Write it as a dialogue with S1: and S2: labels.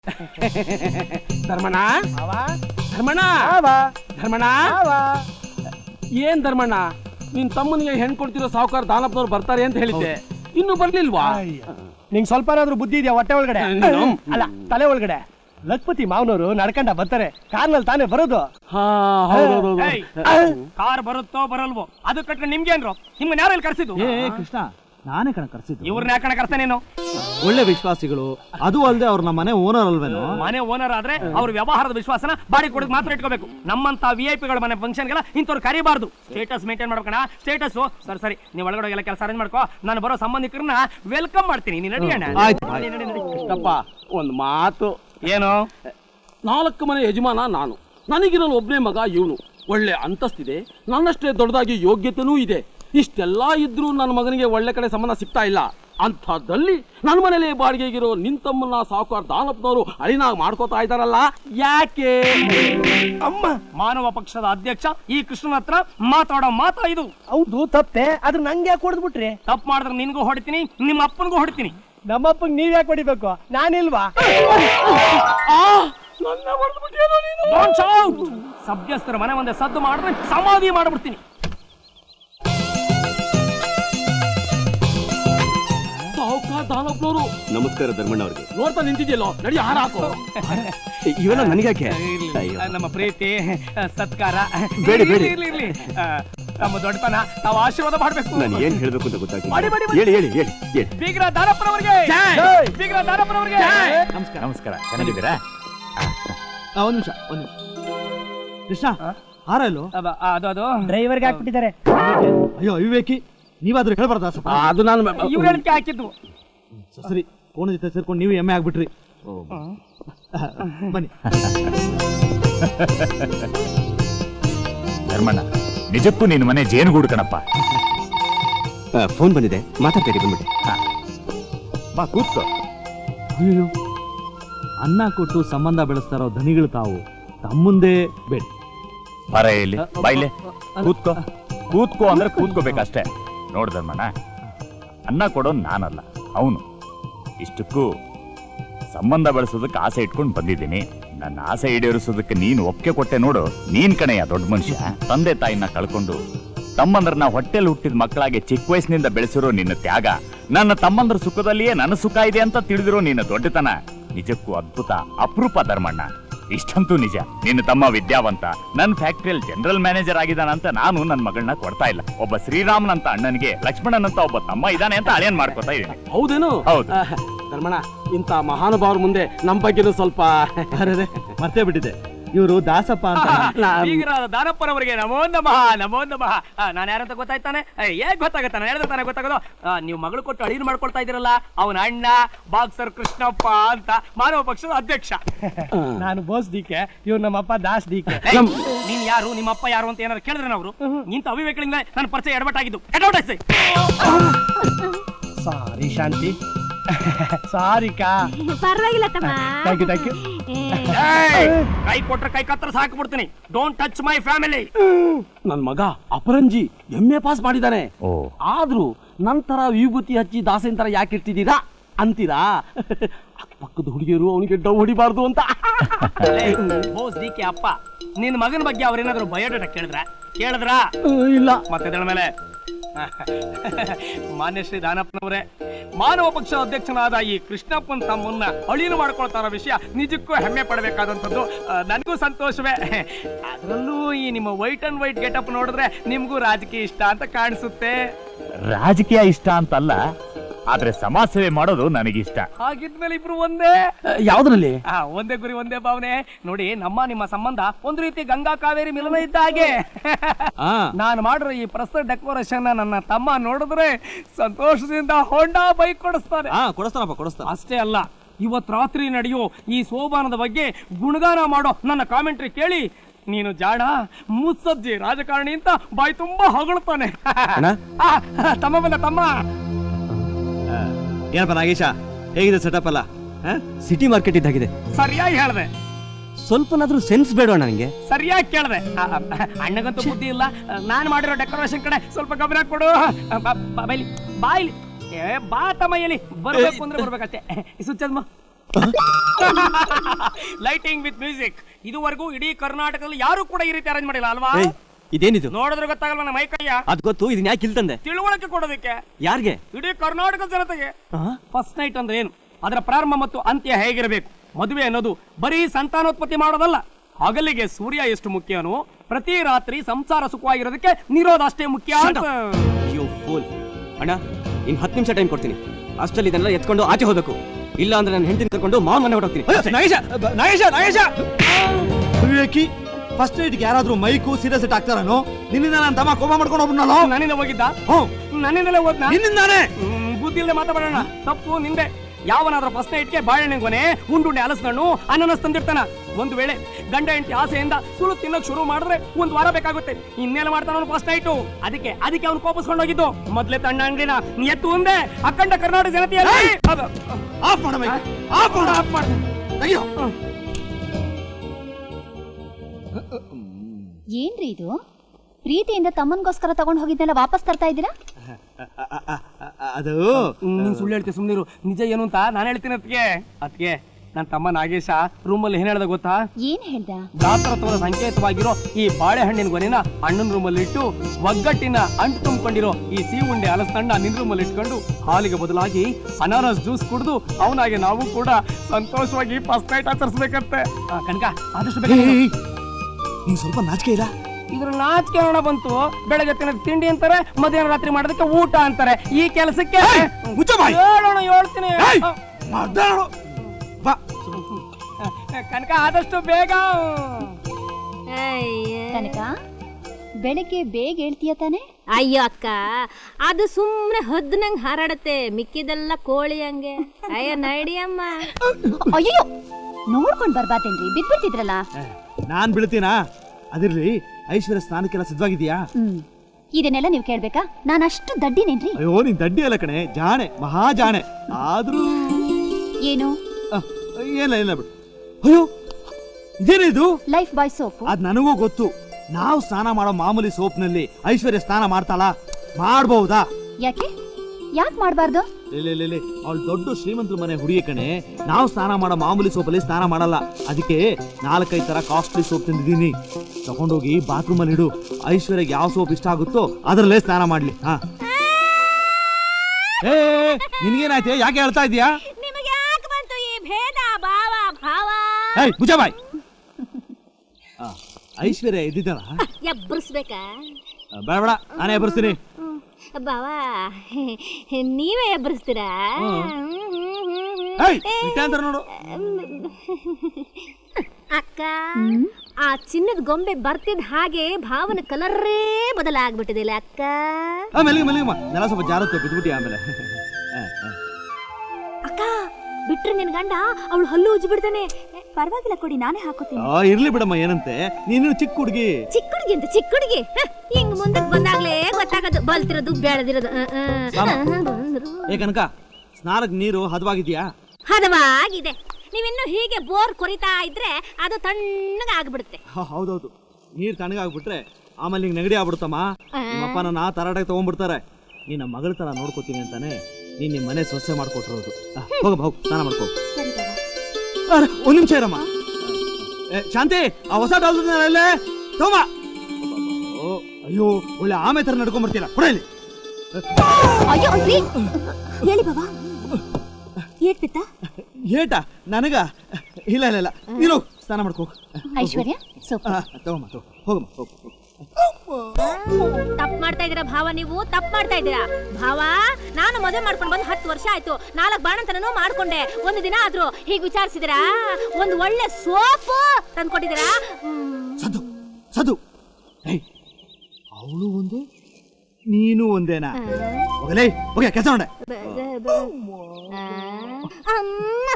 S1: ಧರ್ಮಣ್ಣ ಧರ್ಮಣ್ಣ ಧರ್ಮಣ್ಣ ಏನ್ ಧರ್ಮಣ್ಣ, ನಿನ್ ತಮ್ಮನಿಗೆ ಹೆಣ್ ಕೊಡ್ತಿರೋ ಸಾವುಕಾರ ದಾನಪ್ಪನವ್ರು ಬರ್ತಾರೆ ಅಂತ ಹೇಳಿದ್ದೆ, ಇನ್ನು ಬರ್ಲಿಲ್ವಾ?
S2: ನಿಂಗ್ ಸ್ವಲ್ಪ ಏನಾದ್ರು ಬುದ್ಧಿ ಇದೆಯಾ ಹೊಟ್ಟೆ ಒಳಗಡೆ? ಅಲ್ಲ, ತಲೆ ಒಳಗಡೆ. ಲಕ್ಷ್ಮತಿ ಮಾವನವರು ನಡ್ಕೊಂಡ ಬರ್ತಾರೆ, ಕಾರ್ನಲ್ಲಿ ತಾನೇ ಬರೋದು.
S3: ಕಾರ್ ಬರುತ್ತೋ ಬರಲ್ವೋ ಅದು ಕಟ್ಕೊಂಡು ನಿಮ್ಗೇನ್ರು? ನಿಮ್ಗೆ ಯಾರಲ್ಲಿ ಕರ್ಸಿದ್ದು?
S4: ಕೃಷ್ಣ, ನಾನೇ ಕಣ ಕರ್ಸಿದ್ದು.
S3: ಇವ್ರನ್ನ ಯಾಕಣ ಕರ್ಸ್ತಾ ನೀನು?
S4: ಒಳ್ಳೆ ವಿಶ್ವಾಸಿಗಳು, ಅದು ಅಲ್ಲದೆ ಅವ್ರ ನಮ್ಮ ಮನೆ ಓನರ್ ಅಲ್ವೇನೋ.
S3: ಮನೆ ಓನರ್ ಆದ್ರೆ ಅವ್ರ ವ್ಯವಹಾರದ ವಿಶ್ವಾಸನ ಬಾಡಿ ಕೊಡೋದು ಮಾತ್ರ ಇಟ್ಕೋಬೇಕು. ನಮ್ಮಂತ VIP ಗಳ ಮನೆ ಫಂಕ್ಷನ್ಗೆಲ್ಲ ಇಂಥವ್ರು ಕರಿಬಾರ್ದು. ಸ್ಟೇಟಸ್ ಮೇಂಟೈನ್ ಮಾಡ್ಬೇಕಣ. ಸ್ಟೇಟಸ್ ಸರಿ, ನೀವು ಒಳಗಡೆ ಎಲ್ಲ ಕೆಲಸ ಅರೇಂಜ್ ಮಾಡ್ಕೋ. ನಾನು ಬರೋ ಸಂಬಂಧಿಕರನ್ನ ವೆಲ್ಕಮ್ ಮಾಡ್ತೀನಿ. ನೀನು ನಡಿಯೋಣ.
S1: ಕೃಷ್ಣಪ್ಪ, ಒಂದ್ ಮಾತು.
S3: ಏನು?
S1: 4 ಮನೆ ಯಜಮಾನ ನಾನು, ನನಗಿರಲು ಒಬ್ಬನೇ ಮಗ ಇವನು. ಒಳ್ಳೆ ಅಂತಸ್ತಿದೆ, ನನ್ನಷ್ಟೇ ದೊಡ್ಡದಾಗಿ ಯೋಗ್ಯತೆನೂ ಇದೆ. ಇಷ್ಟೆಲ್ಲ ಇದ್ರೂ ನನ್ನ ಮಗನಿಗೆ ಒಳ್ಳೆ ಕಡೆ ಸಂಬಂಧ ಸಿಗ್ತಾ ಇಲ್ಲ. ಅಂಥದ್ದಲ್ಲಿ ನನ್ನ ಮನೇಲಿ ಬಾಡಿಗೆಗಿರೋ ನಿಂತಮ್ಮನ್ನ ಸಾವುಕಾರ ದಾನಪ್ಪನವರು ಅಳಿನಾಗ ಮಾಡ್ಕೋತಾ ಇದ್ದಾರಲ್ಲ, ಯಾಕೆ?
S3: ಅಮ್ಮ, ಮಾನವ ಪಕ್ಷದ ಅಧ್ಯಕ್ಷ ಈ ಕೃಷ್ಣನ ಹತ್ರ ಮಾತಾಡೋ ಮಾತಾ ಇದು?
S2: ಹೌದು, ತಪ್ಪೆ. ಆದ್ರೆ ನಂಗೆ ಯಾಕೆ ಹೊಡೆದ್ಬಿಟ್ರಿ?
S3: ತಪ್ಪು ಮಾಡಿದ್ರೆ ನಿನ್ಗೂ ಹೊಡಿತೀನಿ, ನಿಮ್ಮ ಅಪ್ಪನಿಗೂ ಹೊಡಿತೀನಿ.
S2: ನಮ್ಮಪ್ಪಂಗ್ ನೀವ್ ಯಾಕೆ ಹೊಡಿಬೇಕು? ನಾನಿಲ್ವಾ?
S3: ಸಭ್ಯಸ್ಥರ ಮನೆ ಒಂದೇ ಸದ್ದು ಮಾಡಿದ್ರೆ ಸಮಾಧಿ ಮಾಡ್ಬಿಡ್ತೀನಿ.
S1: ಸಾವುಕಾರ ದಾನಪ್ಪನವರು.
S5: ನಮಸ್ಕಾರ ಧರ್ಮಣ್ಣ ಅವ್ರಿಗೆ.
S1: ನೋಡ್ತಾ ನಿಂತಿದ್ಯಲ್ಲೋ, ನಡಿ ಹಾರ ಹಾಕೋ.
S5: ಇವೆಲ್ಲ ನನಗ್ಯಾಕೆ?
S3: ನಮ್ಮ ಪ್ರೀತಿ ಸತ್ಕಾರ
S5: ಬೇಡಿ ಬೇಡಿ.
S3: ಇರ್ಲಿ. ನಮ್ಮ ದೊಡ್ಡತನ ನಾವು ಆಶೀರ್ವಾದ ಮಾಡ್ಬೇಕು.
S5: ನಾನು ಏನ್ ಹೇಳ್ಬೇಕು ಅಂತ ಗೊತ್ತಾಗ್ತಿಲ್ಲ.
S3: ಮಾಡಿ.
S5: ಹೇಳಿ ಹೇಳಿ ಹೇಳಿ ಹೇಳಿ.
S3: ಬೀಗ್ರ ದಾನಪ್ಪನವರಿಗೆ. ಬೀಗ್ರ ದಾನಪ್ಪನವರಿಗೆ
S4: ನಮಸ್ಕಾರ. ನಮಸ್ಕಾರ, ಚೆನ್ನಾಗಿದ್ದೀರಾ? ಒಂದ್ ನಿಮಿಷ. ಕೃಷ್ಣ, ಹಾರ ಇಲ್ಲೋ?
S3: ಅದು
S2: ಡ್ರೈವರ್ಗೆ ಹಾಕ್ಬಿಟ್ಟಿದ್ದಾರೆ.
S4: ಅಯ್ಯೋ ವಿವೇಕಿ, ನೀವಾದ್ರೂ ಹೇಳ್ಬಾರ್ದ?
S1: ಅದು ನಾನು
S3: ಇವ್ರ ಹೇಳಿಕೆ ಹಾಕಿದ್ದು.
S4: ಸರಿ, ಕೋಣ ಜೊತೆ ಸೇರ್ಕೊಂಡು ನೀವು ಎಮ್ಮೆ ಆಗ್ಬಿಟ್ರಿ. ಬನ್ನಿ.
S6: ಧರ್ಮಣ್ಣ, ನಿಜಕ್ಕೂ ನಿನ್ನ ಮನೆ ಜೇನುಗೂಡು ಕಣಪ್ಪ.
S5: ಫೋನ್ ಬಂದಿದೆ, ಮಾತಾಡ್ತೀರಿ ಬಂದ್ಬಿಟ್ಟೆ.
S6: ಬಾ ಕೂತ್ಕೋ.
S4: ಅಯ್ಯೋ, ಅನ್ನ ಕೊಟ್ಟು ಸಂಬಂಧ ಬೆಳೆಸ್ತಾರೋ ಧನಿಗಳು ತಾವು, ತಮ್ಮುಂದೆ ಬೇಡ.
S6: ಬರ ಇಲ್ಲಿ ಬಾಯ್ಲೆ, ಕೂತ್ಕೋ ಅಂದ್ರೆ ಕೂತ್ಕೋಬೇಕಷ್ಟೇ. ನೋಡ್ ಧರ್ಮಣ್ಣ, ಅನ್ನ ಕೊಡೋ ನಾನಲ್ಲ, ಅವನು. ಇಷ್ಟಕ್ಕೂ ಸಂಬಂಧ ಬೆಳೆಸೋದಕ್ಕೆ ಆಸೆ ಇಟ್ಕೊಂಡು ಬಂದಿದ್ದೀನಿ. ನನ್ನ ಆಸೆ ಈಡೇರಿಸೋದಕ್ಕೆ ನೀನು ಒಪ್ಪಿಗೆ ಕೊಟ್ಟೆ ನೋಡು. ನೀನ್ ಕಣೆಯ ದೊಡ್ಡ ಮನುಷ್ಯ. ತಂದೆ ತಾಯಿನ ಕಳ್ಕೊಂಡು ತಮ್ಮಂದ್ರನ್ನ ಹೊಟ್ಟೆಲ್ ಹುಟ್ಟಿದ ಮಕ್ಕಳಾಗಿ ಚಿಕ್ಕ ವಯಸ್ಸಿನಿಂದ ಬೆಳೆಸಿರೋ ನಿನ್ನ ತ್ಯಾಗ, ನನ್ನ ತಮ್ಮಂದ್ರ ಸುಖದಲ್ಲಿಯೇ ನನ್ನ ಸುಖ ಇದೆ ಅಂತ ತಿಳಿದಿರೋ ನಿನ್ನ ದೊಡ್ಡತನ ನಿಜಕ್ಕೂ ಅದ್ಭುತ, ಅಪರೂಪ ಧರ್ಮಣ್ಣ. ಇಷ್ಟಂತೂ ನಿಜ, ನಿನ್ನ ತಮ್ಮ ವಿದ್ಯಾವಂತ, ನನ್ನ ಫ್ಯಾಕ್ಟ್ರಿಯಲ್ಲಿ ಜನರಲ್ ಮ್ಯಾನೇಜರ್ ಆಗಿದ್ದಾನಂತ ನಾನು ನನ್ನ ಮಗಳನ್ನ ಕೊಡ್ತಾ ಇಲ್ಲ. ಒಬ್ಬ ಶ್ರೀರಾಮನಂತ ಅಣ್ಣನಿಗೆ ಲಕ್ಷ್ಮಣನಂತ ಒಬ್ಬ ತಮ್ಮ ಇದ್ದಾನೆ ಅಂತ ಅಳಿಯನ್ ಮಾಡ್ಕೊತಾ ಇದ್ದೀನಿ.
S1: ಹೌದೇನು?
S6: ಹೌದು
S1: ಧರ್ಮಣ್ಣ, ಇಂಥ ಮಹಾನುಭಾವರ ಮುಂದೆ ನಮ್ಮ ಬಗ್ಗೆನೂ ಸ್ವಲ್ಪ
S4: ಮರ್ತೇ ಬಿಟ್ಟಿದೆ. ಇವರು ದಾಸಪ್ಪ ಅಂತ.
S3: ಬೀಗರಾದ ದಾನಪ್ಪನವರಿಗೆ ನಮೋ ನಮಃ. ನಮೋ ನಮಃ. ನಾನು ಯಾರಂತ ಗೊತ್ತಾಯ್ತಾನೆ? ಹೇಗ್ ಗೊತ್ತಾಗತ್ತ? ನಾನು ಹೇಳಿದ್ರೆ ತಾನೇ ಗೊತ್ತಾಗೋದು. ನೀವು ಮಗಳು ಕೊಟ್ಟು ಅಳಿನ ಮಾಡ್ಕೊಳ್ತಾ ಇದ್ದೀರಲ್ಲ, ಅವನ ಅಣ್ಣ ಬಾಕ್ಸರ್ ಕೃಷ್ಣಪ್ಪ ಅಂತ, ಮಾನವ ಪಕ್ಷದ ಅಧ್ಯಕ್ಷ.
S2: ನಾನು ಬೋಸ್ ಡಿಕೆ, ಇವ್ರು ನಮ್ಮಪ್ಪ ದಾಸ್ ಡಿಕೆ.
S3: ನೀನ್ ಯಾರು, ನಿಮ್ಮಪ್ಪ ಯಾರು ಅಂತ ಏನಾದ್ರು ಕೇಳಿದ್ರೆ ಅವರು ಇಂಥ ಅವಿವೇಕಗಳಿಂದ ನನ್ನ ಪರಿಚಯ ಎಡವಟ್ಟಾಗಿದ್ದು.
S2: ಸಾರಿ ಶಾಂತಿ, ಸಾರಿಕಾ.
S7: ಪರವಾಗಿಲ್ಲ ತಮ್ಮ.
S2: Thank you.
S3: ಕೈ ಕೊಟ್ರೆ ಕೈ ಕತ್ತರಿಸಿ ಹಾಕ್ಬಿಡ್ತೀನಿ. Don't touch my family.
S1: ನನ್ ಮಗ ಅಪರಂಜಿ MA ಪಾಸ್ ಮಾಡಿದ್ದಾನೆ. ಆದ್ರೂ ನಂತರ ವಿಭೂತಿ ಹಚ್ಚಿ ದಾಸನ್ ತರ ಯಾಕೆ ಇರ್ತಿದ್ದೀರಾ ಅಂತೀರಾ? ಪಕ್ಕದ ಹುಡುಗಿಯರು ಅವನಿಗೆ ಡವ್ ಹೊಡಿಬಾರ್ದು ಅಂತ.
S3: ಬೋಸ್ ಡಿಕೆ ಅಪ್ಪ, ನಿನ್ ಮಗನ ಬಗ್ಗೆ ಅವ್ರೇನಾದ್ರು ಬಯೋಡೇಟಾ ಕೇಳಿದ್ರ?
S1: ಇಲ್ಲ.
S3: ಮತ್ತೆ ಮೇಲೆ ಮಾನ್ಯ ಶ್ರೀ ದಾನಪ್ಪನವರೇ, ಮಾನವ ಪಕ್ಷ ಅಧ್ಯಕ್ಷನಾದ ಈ ಕೃಷ್ಣಪ್ಪನ್ ತಮ್ಮನ್ನ ಅಳಿಲು ಮಾಡ್ಕೊಳ್ತಾರ ವಿಷಯ ನಿಜಕ್ಕೂ ಹೆಮ್ಮೆ ಪಡಬೇಕಾದಂಥದ್ದು. ನನಗೂ ಸಂತೋಷವೇ. ಅದರಲ್ಲೂ ಈ ನಿಮ್ಮ ವೈಟ್ ಅಂಡ್ ವೈಟ್ ಗೆಟಪ್ ನೋಡಿದ್ರೆ ನಿಮ್ಗೂ ರಾಜಕೀಯ ಇಷ್ಟ ಅಂತ ಕಾಣಿಸುತ್ತೆ.
S6: ರಾಜಕೀಯ ಇಷ್ಟ ಅಂತಲ್ಲ, ಆದ್ರೆ ಸಮಾಜ ಸೇವೆ ಮಾಡೋದು ನನಗಿಷ್ಟ.
S3: ಹಾಗಿದ್ಮೇಲೆ ಇಬ್ರು ಒಂದೇ.
S1: ಯಾವ್ದ್ರಲ್ಲಿ?
S3: ಒಂದೇ ಗುರಿ ಒಂದೇ ಭಾವನೆ. ನೋಡಿ, ನಿಮ್ಮ ಸಂಬಂಧ ಒಂದು ರೀತಿ ಗಂಗಾ ಕಾವೇರಿ ಮಿಲನ ಇದ್ದ ಹಾಗೆ. ನಾನು ಮಾಡಿರೋ ಈ ಪ್ರಸ್ತುತ ಡೆಕೋರೇಷನ್ ನನ್ನ ತಮ್ಮ ನೋಡಿದ್ರೆ ಸಂತೋಷದಿಂದ ಹೋಂಡಾ ಬೈಕ್ ಕೊಡಿಸ್ತಾನೆ.
S4: ಕೊಡಿಸ್ತಾನ.
S3: ಅಷ್ಟೇ ಅಲ್ಲ, ಇವತ್ ರಾತ್ರಿ ನಡೆಯೋ ಈ ಸೋಬಾನದ ಬಗ್ಗೆ ಗುಣಗಾನ ಮಾಡೋ ನನ್ನ ಕಾಮೆಂಟ್ರಿ ಕೇಳಿ ನೀನು ಜಾಡ ಮುತ್ಸಜ್ಜಿ ರಾಜಕಾರಣಿ ಅಂತ ಬಾಯಿ ತುಂಬಾ ಹೊಗಳ್ತಾನೆ. ತಮ್ಮ
S4: ಏನಪ್ಪ ನಾಗೇಶ, ಹೇಗಿದೆ ಸೆಟಪ್ ಅಲ್ಲ?
S5: ಸಿಟಿ ಮಾರ್ಕೆಟ್ ಇದ್ದಾಗಿದೆ.
S3: ಸರಿಯಾಗಿ ಹೇಳ್ದೆ.
S5: ಸ್ವಲ್ಪನಾದ್ರೂ ಸೆನ್ಸ್ ಬೇಡ ನನಗೆ.
S3: ಸರಿಯಾಗಿ ಕೇಳ್ದೆ. ಅಣ್ಣಗಂತೂ ಬುದ್ಧಿ ಇಲ್ಲ. ನಾನು ಮಾಡಿರೋ ಡೆಕೋರೇಷನ್ ಕಡೆ ಸ್ವಲ್ಪ ಗಮನ ಕೊಡು. ಬಾಯ್ಲಿ ಬಾ ತಮ್ಮಯ್ಯಲಿ ಬರ್ಬೇಕು ಅಂದ್ರೆ ಬರ್ಬೇಕಷ್ಟೇ. ಸುಚ್ಚದ್ಮ ಲೈಟಿಂಗ್ ವಿತ್ ಮ್ಯೂಸಿಕ್. ಇದುವರೆಗೂ ಇಡೀ ಕರ್ನಾಟಕದಲ್ಲಿ ಯಾರು ಕೂಡ ಈ ರೀತಿ ಅರೇಂಜ್ ಮಾಡಿಲ್ಲ ಅಲ್ವಾ?
S5: ಏಯ್, ಇದೇನಿದು?
S3: ನೋಡಿದ್ರೆ ಗೊತ್ತಾಗಲ್ವ ನಮ್ಮ ಮೈಕಯ್ಯ?
S5: ಅದ್ ಗೊತ್ತು, ಇದನ್ನ ಯಾಕೆ ಇಲ್ಲಿ ತಂದೆ?
S3: ತಿಳುವಳಿಕೆ ಕೊಡೋದಕ್ಕೆ.
S5: ಯಾರಿಗೆ?
S3: ಇಡೀ ಕರ್ನಾಟಕದ ಜನತೆಗೆ.
S5: ಆ?
S3: ಫಸ್ಟ್ ನೈಟ್ ಅಂದ್ರೆ ಏನು, ಅದರ ಪ್ರಾರಂಭ ಮತ್ತು ಅಂತ್ಯ ಹೇಗಿರಬೇಕು? ಮದುವೆ ಅನ್ನೋದು ಬರೀ ಸಂತಾನೋತ್ಪತ್ತಿ ಮಾಡೋದಲ್ಲ. ಹಗಲಿಗೆ ಸೂರ್ಯ ಎಷ್ಟು ಮುಖ್ಯನೋ ಪ್ರತಿ ರಾತ್ರಿ ಸಂಸಾರ ಸುಖವಾಗಿರೋದಕ್ಕೆ ನಿರೋಧ ಅಷ್ಟೇ ಮುಖ್ಯ ಅಂತ.
S5: ಅಯ್ಯೋ ಫೂಲ್. ಅಣ್ಣ, ಇನ್ 10 ನಿಮಿಷ ಟೈಮ್ ಕೊಡ್ತೀನಿ. ಅಷ್ಟರಲ್ಲಿ ಇದನ್ನೆಲ್ಲ ಎತ್ಕೊಂಡು ಆಚೆ ಹೋಗ್ಬೇಕು. ಇಲ್ಲ ಅಂದ್ರೆ ನನ್ನ ಹೆಂಡತಿನ ಕರ್ಕೊಂಡು ಮಾವನ ಮನೆ ಹೊರಟೋಗ್ತೀನಿ.
S4: ವಿವೇಕಿ, ಫಸ್ಟ್ ನೈಟ್ಗೆ ಯಾರಾದ್ರೂ ಮೈಕು ಸೀರಿಯಸ್ ಸೆಟ್ ಆಗ್ತಾರನೋ? ನಿನ್ನಿಂದ ನಾನು ತಮ್ಮ ಕೋಪ ಮಾಡ್ಕೊಂಡು ಹೋಗ್ಬಿಡ್ನಲ್ಲೋ?
S3: ನನ್ನಿಂದ ಹೋಗಿದ್ದ? ನನ್ನಿಂದಲೇ ಹೋದ್ನ?
S4: ನಿನ್ನಿಂದಾನೆ.
S3: ಬುದ್ಧಿ ಇಲ್ಲದೆ ಮಾತಾಡೋಣ. ತಪ್ಪು ನಿಂದೆ. ಯಾವನಾದ್ರೂ ಫಸ್ಟ್ ನೈಟ್ಗೆ ಬಾಳೆಹಣ್ಣೆ ಗೊನೆ, ಉಂಡುಂಡೆ ಹಲಸಿನಣ್ಣು, ಅನಾನಸ್ ತಂದಿರ್ತಾನ. ಒಂದು ವೇಳೆ ಗಂಡ ಹೆಂಡತಿ ಆಸೆಯಿಂದ ಸುಳು ತಿನ್ನಕ್ ಶುರು ಮಾಡಿದ್ರೆ 1 ವಾರ ಬೇಕಾಗುತ್ತೆ. ಇನ್ನೇನು ಮಾಡ್ತಾನ ಫಸ್ಟ್ ನೈಟು? ಅದಕ್ಕೆ ಅವ್ನು ಕೋಪಿಸ್ಕೊಂಡು ಹೋಗಿದ್ದು. ಮೊದ್ಲೇ ತಣ್ಣ ಅಂಗಡಿನ ಎತ್ತು ಒಂದೇ ಅಖಂಡ ಕರ್ನಾಟಕ ಜನತೆಯಲ್ಲಿ
S4: ಆಫ್ ಮಾಡ ಮೈಕ್, ಆಫ್ ಮಾಡ, ಆಫ್ ಮಾಡ. ತೆಗಿಯೋ.
S7: ಏನ್ರಿ ಇದು? ಪ್ರೀತಿಯಿಂದ ತಮ್ಮನ್ಗೋಸ್ಕರ ತಗೊಂಡ್ ಹೋಗಿದ್ದೆಲ್ಲ ವಾಪಸ್ ತರ್ತಾ ಇದ್ದೀರಾ?
S4: ಅದು
S3: ನೀನ್ ಸುಳ್ಳು ಹೇಳ್ತೀವಿ, ಸುಮ್ನಿರು. ನಿಜ ಏನು ಅಂತ ನಾನು ಹೇಳ್ತೀನಿ ಅದಕ್ಕೆ. ನನ್ನ ತಮ್ಮ ನಾಗೇಶ ರೂಮಲ್ಲಿ ಏನ್ ಹೇಳ್ದ ಗೊತ್ತಾ?
S7: ಏನ್ ಹೇಳ್ದ?
S3: ದಾತೃತ್ವದ ಸಂಕೇತವಾಗಿರೋ ಈ ಬಾಳೆಹಣ್ಣಿನ ಗೊನೆನ ಅಣ್ಣನ ರೂಮಲ್ಲಿ ಇಟ್ಟು, ಒಗ್ಗಟ್ಟಿನ ಅಂಟು ತುಂಬಿಕೊಂಡಿರೋ ಈ ಸಿಹಿ ಉಂಡೆ ಹಲಸಣ್ಣ ನಿನ್ ರೂಮಲ್ಲಿ ಇಟ್ಕೊಂಡು, ಹಾಲಿಗೆ ಬದಲಾಗಿ ಅನಾನಸ್ ಜ್ಯೂಸ್ ಕುಡಿದು ಅವನಾಗೆ ನಾವು ಕೂಡ ಸಂತೋಷವಾಗಿ ಫಸ್ಟ್ ನೈಟ್ ಆಚರಿಸ್ಬೇಕಂತೆ. ಕನಕ, ಆದಷ್ಟು ಬೇಗ
S4: ನೀನ್ ಸ್ವಲ್ಪ ನಾಚಿಕೆ ಇಲ್ಲ?
S3: ಇದ್ರ ನಾಚಿಕೆ ಹಣ ಬಂತು. ಬೆಳಗ್ಗೆ ತಿನ್ನೋದು ತಿಂಡಿ ಅಂತಾರೆ, ಮಧ್ಯಾಹ್ನ ರಾತ್ರಿ ಮಾಡೋದಕ್ಕೆ ಊಟ ಅಂತಾರೆ. ಈ ಕೆಲಸಕ್ಕೆ ಹೇಳೋಣ, ಹೇಳ್ತೀನಿ. ಕನಕ, ಆದಷ್ಟು ಬೇಗ.
S7: ಕನಕ, ಬೆಳಗ್ಗೆ ಬೇಗ ಹೇಳ್ತೀಯ ತಾನೆ?
S8: ಅಯ್ಯೋ ಅಕ್ಕ, ಅದು ಸುಮ್ನೆ ಹದ್ನಂಗ್ ಹಾರಾಡತ್ತೆ, ಮಿಕ್ಕಿದೆಲ್ಲ ಕೋಳಿ ಹಂಗೆ. ಅಯ್ಯ ನಡಿಯಮ್ಮ.
S7: ಅಯ್ಯೋ, ನೋಡ್ಕೊಂಡ್ ಬರ್ಬಾತೇನ್ರಿ? ಬಿದ್ಬಿಡ್ತಿದ್ರಲ್ಲ.
S4: ನಾನ್ ಬೀಳ್ತೀನಾ? ಅದಿರ್ಲಿ, ಐಶ್ವರ್ಯ ಸ್ನಾನಕ್ಕೆಲ್ಲ ಸಿದ್ಧವಾಗಿದ್ಯಾ?
S7: ಇದನ್ನೆಲ್ಲ ನೀವು ಕೇಳ್ಬೇಕಾ? ನಾನು ಅಷ್ಟು ದಡ್ಡಿನೇನ್ರಿ?
S4: ಅಯ್ಯೋ, ನೀನ್ ದಡ್ಡಿ ಅಲ್ಲ ಕಣೆ, ಜಾಣೆ, ಮಹಾ ಜಾಣೆ. ಆದ್ರೂ
S7: ಏನು?
S4: ಇಲ್ಲ ಬಿಡು. ಅಯ್ಯೋ, ಇದೇನಿದು?
S7: Lifebuoy soap.
S4: ಅದ್ ನನಗೂ ಗೊತ್ತು. ನಾವು ಸ್ನಾನ ಮಾಡೋ ಮಾಮೂಲಿ ಸೋಪ್ನಲ್ಲಿ ಐಶ್ವರ್ಯ ಸ್ನಾನ ಮಾಡ್ತಾಳ? ಮಾಡ್ಬಹುದಾ?
S7: ಯಾಕೆ ಮಾಡ್ಬಾರ್ದು?
S4: ಅವಳು ದೊಡ್ಡ ಶ್ರೀಮಂತರ ಮನೆ ಹುಡುಗಿ ಕಣೆ. ನಾವು ಸ್ನಾನ ಮಾಡೋ ಮಾಮೂಲಿ ಸೋಪಲ್ಲಿ ಸ್ನಾನ ಮಾಡಲ್ಲ. ಅದಕ್ಕೆ 4-5 ತರ ಕಾಸ್ಟ್ಲಿ ಸೋಪ್ ತಂದಿದ್ದೀನಿ. ತಗೊಂಡೋಗಿ ಬಾತ್ರೂಮ್ ಅಲ್ಲಿ ಇಡು. ಐಶ್ವರ್ಯಗೆ ಯಾವ ಸೋಪ್ ಇಷ್ಟ ಆಗುತ್ತೋ ಅದರಲ್ಲೇ ಸ್ನಾನ ಮಾಡ್ಲಿ. ನಿನ್ಗೇನಾಯ್ತು? ಯಾಕೆ ಹೇಳ್ತಾ ಇದೀಯಾ?
S8: ನಿಮಗೆ ಯಾಕೆ ಬಂತು ಈ ಭೇದ ಭಾವ?
S4: ಮುಜಾಬಾಯ್. ಐಶ್ವರ್ಯ ಇದ್ದಿದ್ದಾಳ?
S8: ಎಬ್ಬರಿಸ್ಬೇಕಾ?
S4: ಬೇಡ, ನಾನೇ ಎಬ್ಬರಿಸ್ತೀನಿ.
S8: ಬಾವಾ, ನೀವೇ ಎಬ್ಬರಿಸ್ತೀರಾ?
S4: ನೋಡು
S8: ಅಕ್ಕ, ಆ ಚಿನ್ನದ ಗೊಂಬೆ ಬರ್ತಿದ್ ಹಾಗೆ ಭಾವನ ಕಲರೇ ಬದಲಾಗ್ಬಿಟ್ಟಿದೆ ಅಕ್ಕ.
S4: ಮೆಲ್ಲಿಗೆ ನೆಲ ಸ್ವಲ್ಪ ಜಾರತ್ತೆ, ಬಿದ್ಬಿಟ್ಟಿ ಆಮೇಲೆ.
S8: ಅಕ್ಕ, ಬಿಟ್ರೆ ನಿನ್ ಗಂಡ ಅವಳು ಹಲ್ಲು ಉಜ್ಜಿ ಬಿಡ್ತಾನೆ. ಪರವಾಗಿಲ್ಲ, ಕೊಡಿ, ನಾನೇ ಹಾಕೋತೀನಿ.
S4: ಇರ್ಲಿ ಬಿಡಮ್ಮ, ಏನಂತೆ, ನೀನು ಚಿಕ್ಕ ಹುಡುಗಿ.
S8: ಚಿಕ್ಕ ಹುಡುಗಿ ಹಿಂಗ್ ಮುಂದಕ್ ಬಂದಾಗ್ಲೇ ಗೊತ್ತಾಗದು ಬಲ್ತಿರೋದು ಬೆಳೆದಿರೋದು.
S4: ಏ ಕನಕ, ಸ್ನಾನಕ್ ನೀರು ಹದವಾಗಿದ್ಯಾ?
S8: ಹದವಾಗಿದೆ. ನೀವಿನ್ನು ಹೀಗೆ ಬೋರ್ ಕೊರಿತಾ ಇದ್ರೆ ಅದು ತಣ್ಣಗ ಆಗ್ಬಿಡುತ್ತೆ.
S4: ಹೌದೌದು, ನೀರ್ ತಣ್ಣಗಾಗ್ಬಿಟ್ರೆ ಆಮೇಲೆ ನಿಂಗೆ ನೆಗಡಿ ಆಗ್ಬಿಡುತ್ತಮ್ಮ. ನಿಮ್ಮಪ್ಪ ನನ್ನ ತರಾಟೆಗೆ ತಗೊಂಡ್ಬಿಡ್ತಾರೆ. ನೀನ್ ನಮ್ಮ ಮಗಳ ತರ ನೋಡ್ಕೋತೀನಿ ಅಂತಾನೆ ನೀನ್ ನಿಮ್ ಮನೆ ಸೊಸೆ ಮಾಡ್ಕೊಟ್ಟಿರೋದು. ಹೋಗು, ಸ್ನಾನ ಮಾಡ್ಕೋ. ಒಂದ್ ನಿಮಿಷ ಇರಮ್ಮ. ಶಾಂತಿ, ಆ ಹೊಸ ಡಾಲ್ದಲ್ಲೇ ತಗೊಂಬ. ಅಯ್ಯೋ, ಒಳ್ಳೆ ಆಮೆ ತರ ನಡ್ಕೊಂಡ್ ಬರ್ತೀರಾ, ಕೊಡಲಿ.
S7: ಅಯ್ಯೋ ಹೇಳಿ ಬಾಬಾ, ಏಟ್
S4: ಏಟ ನನಗ? ಇಲ್ಲ ನೀನು ಸ್ನಾನ ಮಾಡ್ಕೋ.
S7: ಐಶ್ವರ್ಯ,
S4: ತಗೊಂಬ, ಹೋಗಮ್ಮ, ಹೋಗು.
S8: ತಪ್ಪು ಮಾಡ್ತಾ ಇದೀರಾ ಭಾವ, ನೀವು ತಪ್ಪು ಮಾಡ್ತಾ ಇದ್ದೀರಾ ಭಾವ. ನಾನು ಮದುವೆ ಮಾಡ್ಕೊಂಡು ಬಂದು 10 ವರ್ಷ ಆಯ್ತು. 4 ಬಾಣಂತನೂ ಮಾಡ್ಕೊಂಡೆ. ಒಂದು ದಿನ ಆದ್ರೂ ಹೀಗೆ ವಿಚಾರಿಸಿದಿರಾ? ಒಂದು ಒಳ್ಳೆ ಸೋಪು ತಂದ್ಕೊಟ್ಟಿದ್ದೀರಾ?
S4: ಸದು, ಅವಳು ಒಂದೇ, ನೀನು ಒಂದೇನಾ? ಹೋಗಲೇ, ಹೋಗಿ ಕೆಲಸ ಮಾಡ.